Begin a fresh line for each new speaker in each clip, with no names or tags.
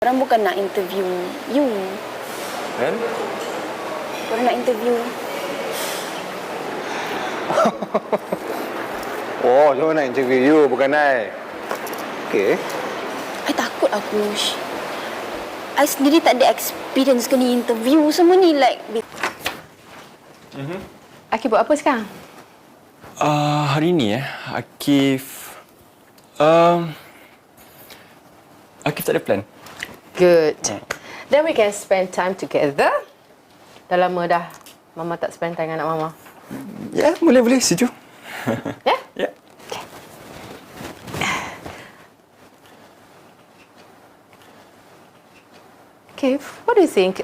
Orang bukan nak interview you.
Kan?
Orang nak interview.
Oh, cuma nak interview you, bukan I. Okey.
I takut aku. I sendiri tak ada experience kena interview semua ni. Like,
Akif buat apa sekarang?
Hari ni Akif... Akif tak ada plan.
Good. Then we can spend time together. Dah lama dah Mama tak spend time dengan anak Mama.
Ya, boleh, setuju.
Ya?
Ya.
Okay, what do you think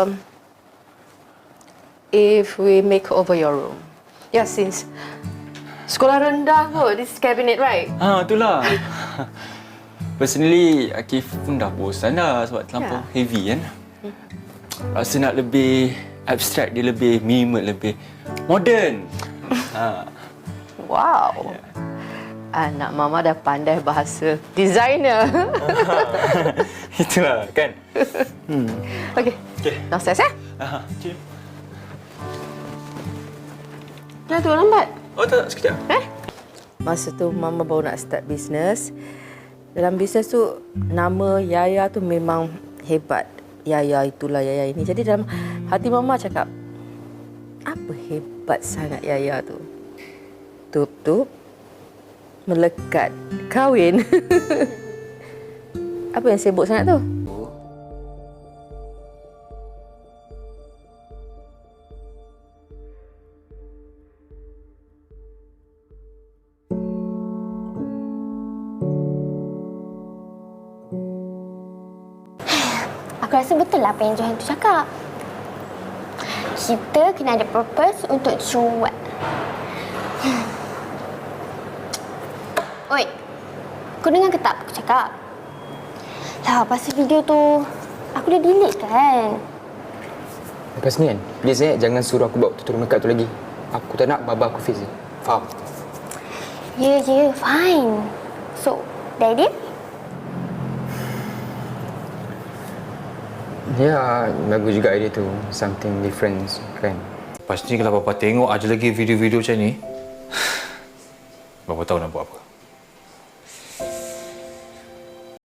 if we make over your room? Yeah, since sekolah rendah kot, this cabinet, right?
Itulah. Personally, Akif pun dah bosan dah sebab terlampau heavy kan. Rasa nak lebih abstract, dia lebih minimal, lebih modern.
Wow. Anak Mama dah pandai bahasa designer.
Itulah kan.
Okay. Downstairs
Cik.
Dah tu lambat.
Oh tak, sekejap.
Masa tu Mama baru nak start bisnes. Dalam bisnes tu nama Yaya tu memang hebat. Yaya itulah Yaya ini. Jadi dalam hati Mama cakap, apa hebat sangat Yaya tu? Tup-tup, melekat, kahwin. Apa yang sibuk sangat tu?
Aku rasa betul lah apa yang Johan tu cakap. Kita kena ada purpose untuk cuat. Oi, kau dengar ke tak aku cakap? Lah, pasal video tu aku dah delete kan?
Lepas ni kan, please jangan suruh aku bawa tutorial makeup tu lagi. Aku tak nak baba aku face dia. Faham?
Ya, fine. So, dah edit?
Ya, bagus juga idea tu. Something different kan.
Lepas ni kalau Bapa tengok aja lagi video-video macam ni, Bapa tahu nak buat apa.